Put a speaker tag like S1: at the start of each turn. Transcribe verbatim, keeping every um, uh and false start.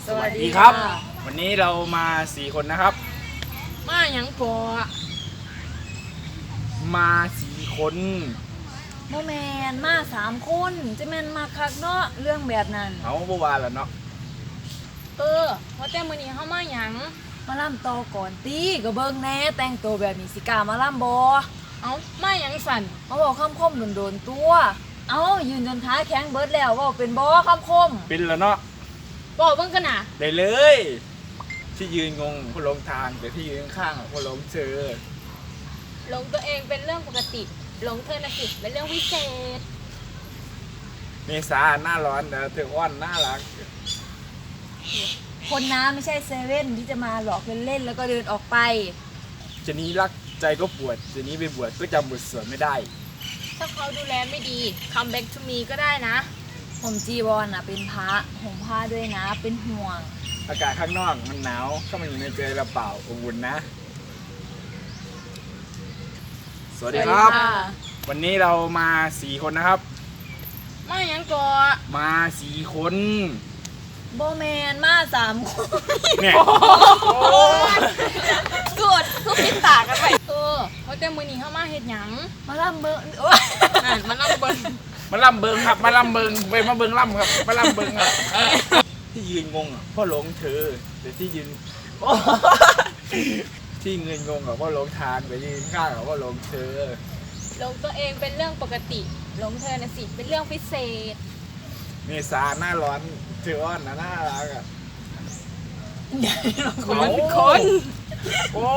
S1: สวัสดี
S2: ครับ
S1: ค่ะ
S2: วันนี้เรามาสี่คนนะครับ
S1: มาหยังพอ
S2: มาสี่คน
S1: โมแมนมาสามคนจะแมนมาคักเนาะเรื่องแบบนั้น
S2: เอาเมื่อวานแล้วเนาะ
S1: เออเพราะแต่มื้อนี้เฮามาหยังมาล่ำต่อก่อนตีก็เบิ่งแหน่แต่งตัวแบบนี้สิกล้ามาล่ำบ่เอ้ามาหยังสั่นมาบอกคำคมโดนๆตัว เอ้ายืนจนท้าแข็งเบิดแล้วเว้าเป็นบ่คำคม
S2: เป็นแล้วเนาะ
S1: บอกเบิ่งกันน่ะ
S2: ได้เลย ที่ยืนงงผู้หลงทางแต่ที่ยืนข้างๆผู้หลงเจอ
S3: หลงตัวเองเป็นเรื่องปกติหลงเธอน่ะสิเป็นเรื่องวิเศษ
S2: เมษาหน้าร้อนแต่เธออ้อนน่ารัก
S1: คนน้าไม่ใช่เซเว่นที่จะมาหลอกเล่นๆแล้วก็เดินออกไป
S2: จะนี้รักใจก็ปวดจะนี้ไปบวชก็จำบทสวดไม่ได้
S3: ถ้าเขาดูแลไม่ดี come back to me ก็ได้นะ
S1: ผมจีวรอ่ะเป็นพระห่มผ้าด้วยนะเป็นห่วง
S2: อากาศข้างนอกมันหนาวเข้ามาอยู่ในใจเราเปล่าอบอุ่นนะ สวัสดีครับ วันนี้เรามาสี่คนนะครับ
S1: มาหยังก่อ
S2: มาสี่คน
S1: โบแมนมาสามคน
S2: เนี่ย
S3: กดทุกพิษตากันไปเออเพราะแต่มื้อนี้เฮามาเฮ็ดหยัง
S1: มาล่ำเบอร์โอ๊ย
S3: อ่านมันนำเบิ่ง
S2: มาล่ำเบิงครับ มาล่ำเบิงไปมาเบิงล่ำครับ มาล่ำเบิงครับ ที่ยืนงงอ่ะเพ่อหลงเธอแต่ที่ยืนโอ้ที่เงินงงอ่ะเพ่อหลงทางแต่ยืนข้างอ่ะเพ่อหลงเธอ
S3: หลงตัวเองเป็นเรื่องปกติหลงเธอน่ะสิเป็นเรื่องพิเศษ
S2: เมษาหน้าร้อนเธออ้อนนะน่ารักอ่ะ
S1: ใหญ่เราคน
S2: เอา
S1: ละคน
S2: โอ้